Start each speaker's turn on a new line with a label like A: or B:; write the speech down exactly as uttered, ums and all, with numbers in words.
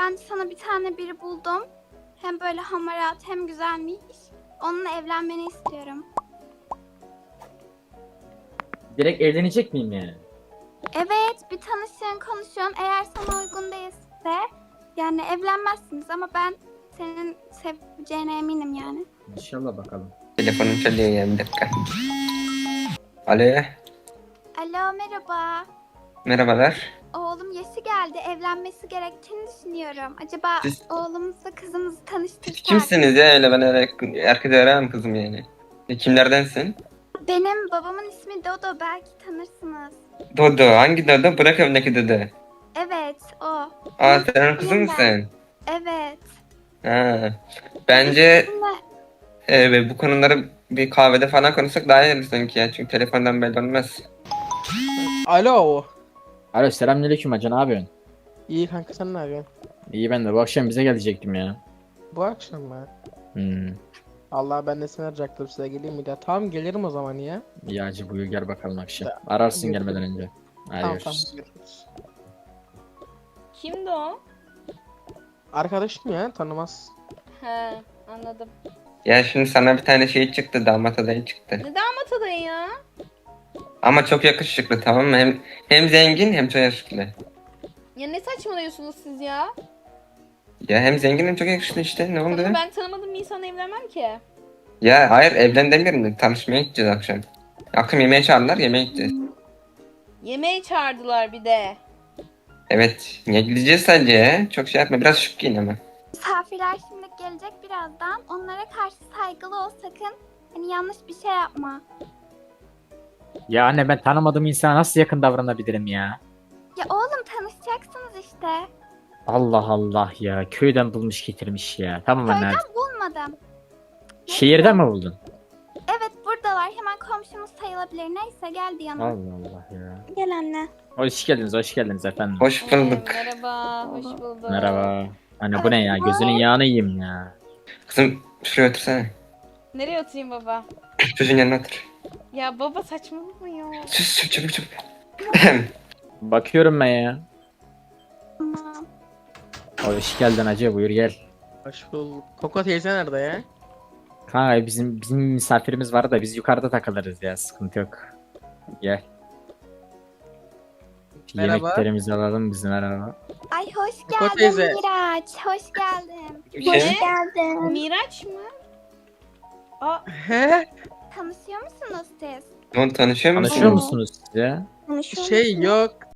A: ben sana bir tane biri buldum. Hem böyle hamarat hem güzelmiş. Onunla evlenmeni istiyorum.
B: Direkt evlenecek miyim yani?
A: Evet, bir tanışın, konuşun. Eğer sana uygun değilse yani evlenmezsiniz ama ben senin seveceğine eminim yani.
B: İnşallah bakalım.
C: Telefonum çalıyor ya, bir dakika. Alo.
A: Alo, merhaba.
C: Merhabalar.
A: Oğlum yaşı geldi, evlenmesi gerektiğini düşünüyorum. Acaba
C: Siz-
A: oğlumuzla kızımızı
C: Siz
A: tanıştırsak?
C: kimsiniz ya, öyle ben öyle herkese öğrenemem kızım yani. E, Kimlerdensin?
A: Benim babamın ismi Dodo, belki tanırsınız.
C: Dodo. Hangi Dodo? Bırak evdeki Dodo.
A: Evet, o.
C: Aa, sen onun kızı
A: Benim ben.
C: mısın?
A: Evet.
C: Ha. Bence
A: Sizinle-
C: e, bu konuları bir kahvede falan konuşsak daha iyi olur sanki ya. Çünkü telefondan belli olmaz.
D: Alo.
B: Alo, selamünaleyküm hacı, ne yapıyorsun?
D: İyi kanka, sen ne yapıyorsun?
B: İyi, ben de bu akşam bize gelecektim ya.
D: Bu akşam mı?
B: Hmm.
D: Allah, ben de seni arayacaktım, size geleyim mi diye. Tamam, gelirim o zaman ya.
B: İyi hacı, buyur gel bakalım akşam.
D: Ya,
B: Ararsın
D: görüşürüz.
B: gelmeden önce. Hadi
D: Tamam
B: görüşürüz.
D: tamam, görüşürüz.
E: Kimdi o?
D: Arkadaşım ya, tanımaz.
E: He, anladım.
C: Ya şimdi sana bir tane şey çıktı, damat adayı çıktı.
E: Ne damat adayı ya?
C: Ama çok yakışıklı, tamam mı? Hem hem zengin hem çok yakışıklı.
E: Ya ne saçmalıyorsunuz siz ya?
C: Ya hem zengin hem çok yakışıklı işte, ne oldu?
E: Tamam, ben tanımadığım bir insanla evlenmem ki.
C: Ya hayır, evlen demiyorum da tanışmaya gideceğiz akşam. Akşam yemeğe çağırdılar, yemeğe gideceğiz.
E: Yemeğe çağırdılar bir de.
C: Evet, niye gideceğiz sadece ya? Çok şey yapma, biraz şık giyin ama.
A: Misafirler şimdi gelecek birazdan. Onlara karşı saygılı ol sakın. Hani yanlış bir şey yapma.
B: Ya anne, ben tanımadığım insana nasıl yakın davranabilirim ya?
A: Ya oğlum, tanışacaksınız işte.
B: Allah Allah ya, köyden bulmuş getirmiş ya. Tamam anne, hadi.
A: Köyden bulmadım.
B: Şehirden mi buldun?
A: Evet, buradalar. Hemen komşumuz sayılabilir. Neyse, geldi yanıma.
B: Allah Allah ya.
A: Gel anne.
B: Hoş geldiniz, hoş geldiniz efendim.
C: Hoş
E: Ee,
C: bulduk.
E: merhaba, hoş bulduk.
B: Merhaba. Anne bu ne ya? Gözünün yağını yiyeyim ya.
C: Kızım şuraya otursana.
E: Nereye oturayım baba?
C: Çocuğun yanına otur.
E: Ya baba saçmalama ya.
C: Sus sus, çabuk çabuk.
B: Bakıyorum ben ya.
A: Tamam.
B: Hoş geldin hacı, buyur gel.
D: Hoş bulduk. Koko teyze nerede ya?
B: Kanka bizim bizim misafirimiz var da biz yukarıda takılırız ya, sıkıntı yok. Gel.
D: Merhaba.
B: Yemeklerimizi alalım biz, merhaba.
A: Ay hoş
D: Koko
A: geldin
D: teyze.
A: Miraç. Hoş geldin.
C: Bir
A: Hoş
C: şey.
A: geldin.
E: Miraç mı? Aa,
D: He?
A: Tanışıyor musunuz siz?
C: Oğlum tanışıyor musun?
B: Tanışıyor musunuz siz ya?
A: Tanışıyor
D: Şey
A: musunuz?
D: yok.